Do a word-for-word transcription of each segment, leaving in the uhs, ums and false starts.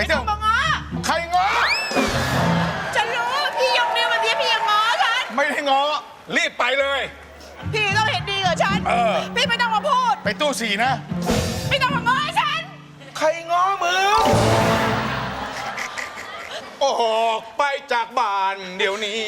เที่ยวมาง้อใครง้อฉันรู้พี่ยกนิ้วแบบนี้พี่ยังง้อฉันไม่ได้ง้อรีบไปเลยพี่ต้องเห็นดีกับฉันเออพี่ไม่ต้องมาพูดไปตู้สี่นะไม่ต้องมาง้อให้ฉันใครง้อมึงออกไปจากบ้านเดี๋ยวนี้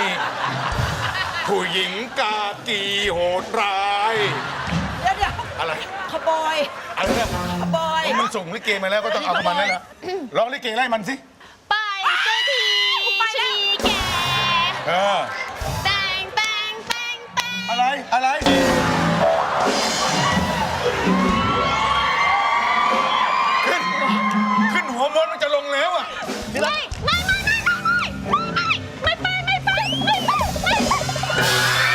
ผู้หญิงกากีโหดร้ายเดี๋ยวเดี๋ยวอะไรขบอยอะไรนะขบอยมันส่งลิเกมาแล้วก็ต้องเอามันนั่นแหละร้องลิเกไล่มันสิไปเจ้าทีชีแกเออแต่งแต่งแต่งแต่งอะไรอะไรขึ้นขึ้นหัวมดมันจะลงแล้วอ่ะไม่ไม่ไม่ไม่ไม่ไม่ไม่ไม่ไปไม่ไปไม่ไป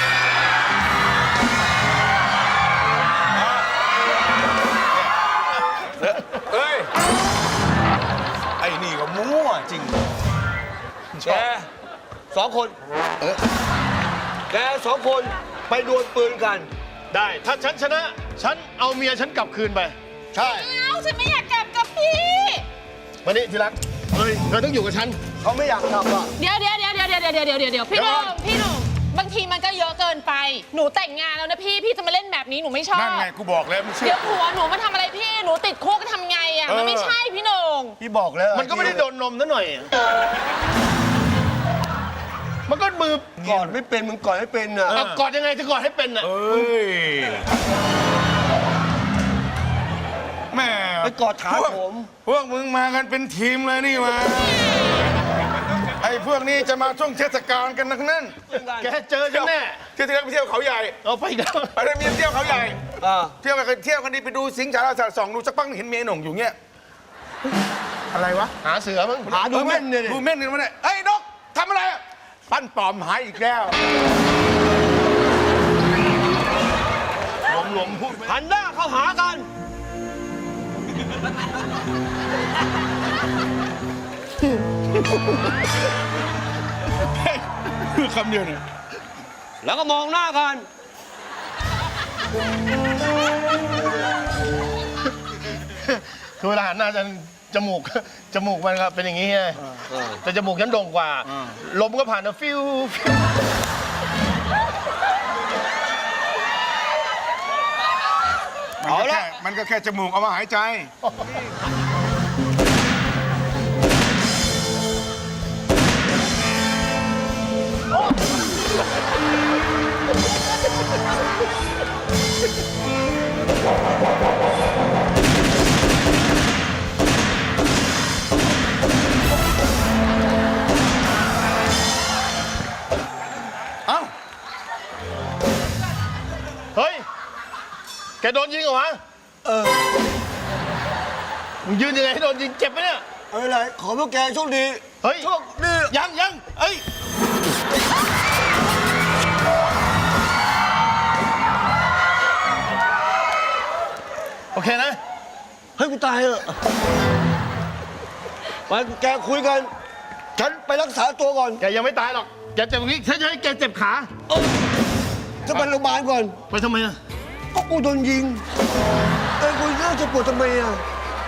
เอ้ยไอ้นี่ก็มั่วจริงแกสองคนแกสองคนไปดวลปืนกันได้ ถ้าฉันชนะ ฉันเอาเมียฉันกลับคืนไปใช่เอาฉันไม่อยากกลับกับพี่มานี่ที่รักเฮ้ยเธอต้องอยู่กับฉันเขาไม่อยากกลับอ่ะเดี๋ยวเดี๋ยวเดี๋ยวเดี๋ยวเดี๋ยวเดี๋ยวเดี๋ยวเดี๋ยวพี่หนุ่มพี่หนุ่มบางทีมันก็เยอะเกินไปหนูแต่งงานแล้วนะพี่พี่จะมาเล่นแบบนี้หนูไม่ชอบนั่นไงกูบอกแล้วมึงเชื่อเดี๋ยวผัวหนูมาทำอะไรพี่หนูติดคุกทำไงอ่ะมันไม่ใช่พี่หนุ่มพี่บอกแล้วมันก็ไม่ได้โดนนมซะหน่อย มันก็มือกอดไม่เป็นมึงกอดไม่เป็นอ่ะเอากอดยังไงจะกอดให้เป็นอ่ะเอ้ยแม่ไปกอดขาพวกผมพวกมึงมากันเป็นทีมเลยนี่มาไอ้พวกนี้จะมาช่วงเทศกาลกันทั้งนั้นแกเจอฉันแน่เที่ยวที่แล้วไปเที่ยวเขาใหญ่เอาไปกันไปได้เมียเที่ยวเขาใหญ่อ่าเที่ยวกันเที่ยวกันดีไปดูสิงห์ชาลาสัตว์สองดูสักพักเห็นเมียหนุ่มอยู่เงี้ยอะไรวะหาเสือมั้งหาดูแม่นเนี่ยดิดูเม่นกันมาเนี่ยเอ้ยนกทำอะไรอะปั้นปลอมหายอีกแล้วหลวมๆพูดไปหันหน้าเข้าหากันคือคำเดียวเนี่ยแล้วก็มองหน้ากันคือเวลาหันหน้าจะจมูก จมูกมันครับเป็นอย่างนี้ไงแต่จมูกฉันโด่งกว่า ลมก็ผ่านนะฟิวฟิวมันก็แค่มันก็แค่จมูกเอามาหายใจ เอ้าเฮ้ย แกโดนยิงเหรอวะเออมึงยืนยังไงให้โดนยิงเจ็บไหมเนี่ยเอาอะไรขอพวกแกโชคดีเฮ้ยโชคดียังยังเอ้ย โอเคนะเฮ้ยกูตายเหรอไปแกคุยกัน ฉันไปรักษาตัวก่อนแกยังไม่ตายหรอก แกเจ็บอย่างนี้ฉันจะให้แกเจ็บขาจะไปโรงพยาบาลก่อนไปทำไมอะก็กูโดนยิงเอ้ยกูน่าจะปวดทำไมอ่ะ